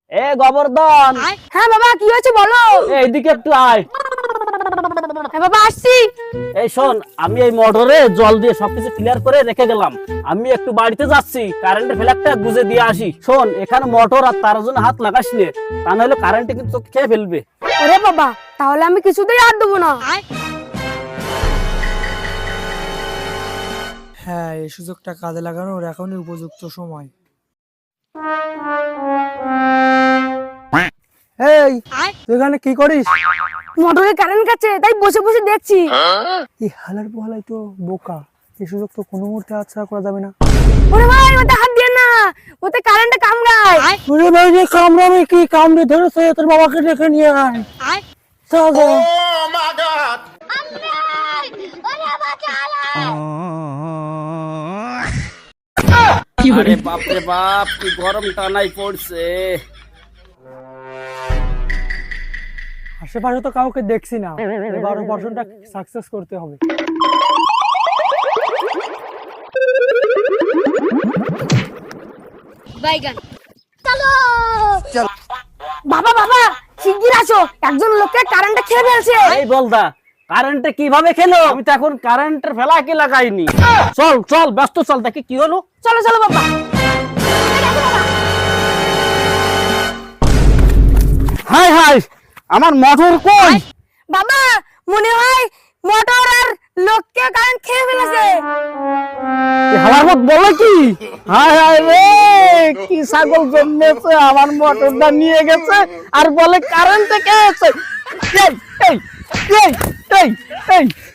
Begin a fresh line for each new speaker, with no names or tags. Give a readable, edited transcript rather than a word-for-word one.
এ গোবর্ধন,
হ্যাঁ বাবা, কি হয়েছে বলো।
এইদিকে একটু আয়।
হ্যাঁ বাবা, আসছি।
এই শোন, আমি এই মোটরে জল দিয়ে সবকিছু ক্লিয়ার করে রেখে গেলাম। আমি একটু বাড়িতে যাচ্ছি, কারেন্টের ফ্ল্যাগটা গুজে দিয়ে আসি। শোন, এখানে মোটর আর তার জন্য হাত লাগাস নে, তা নাহলে কারেন্টে কিন্তু তোকে খেয়ে ফেলবে।
ওরে বাবা, তাহলে আমি কিছুতেই আর দেবো না।
হ্যাঁ, এই সুযোগটা কাজে লাগানোর এখনই উপযুক্ত সময়। এই, তুই এখানে কি করিস?
মোটরে কারেন্ট গেছে, তাই বসে বসে দেখছি।
এই হালার পোহালাই তো বোকা, এই সুযোগ তো কোনো মুহূর্তে হাতছাড়া করা যাবে না।
ওরে ভাই, ওতে হাত দিয়ে না, ওতে কারেন্টে কামড়ায়।
ওরে ভাই, যে কামড়াবে কি, কামড়ে ধরেছে, তোর বাবাকে ডেকে নিয়ে আয়। চল যা।
আরে বাপ রে বাপ, কি গরম টানাই পড়ছে।
আশেপাশে তো কাউকে দেখছি না, এবার অপারেশনটা সাকসেস করতে হবে।
বাবা বাবা, শিগগির আসো, একজন লোককে কারেন্টে খেয়ে ফেলছে।
এই বলদা, কারেন্টে কিভাবে খেলো? আমি তো এখন কারেন্টের ফ্ল্যাগই লাগাইনি। চল চল, ব্যস্ত চল, দেখি কি হলো।
চলো চলো বাবা।
হাই হাই, আমার মোটর কই?
বাবা, মনে হয় মোটর আর লোককে কারেন্ট খেয়ে ফেলেছে।
হালার মত বলে কি? হাই হাই রে, কি ছাগল জন্মেছে, আমার মোটরটা নিয়ে গেছে আর বলে কারেন্টে খেয়েছে। এই এই এই এই এই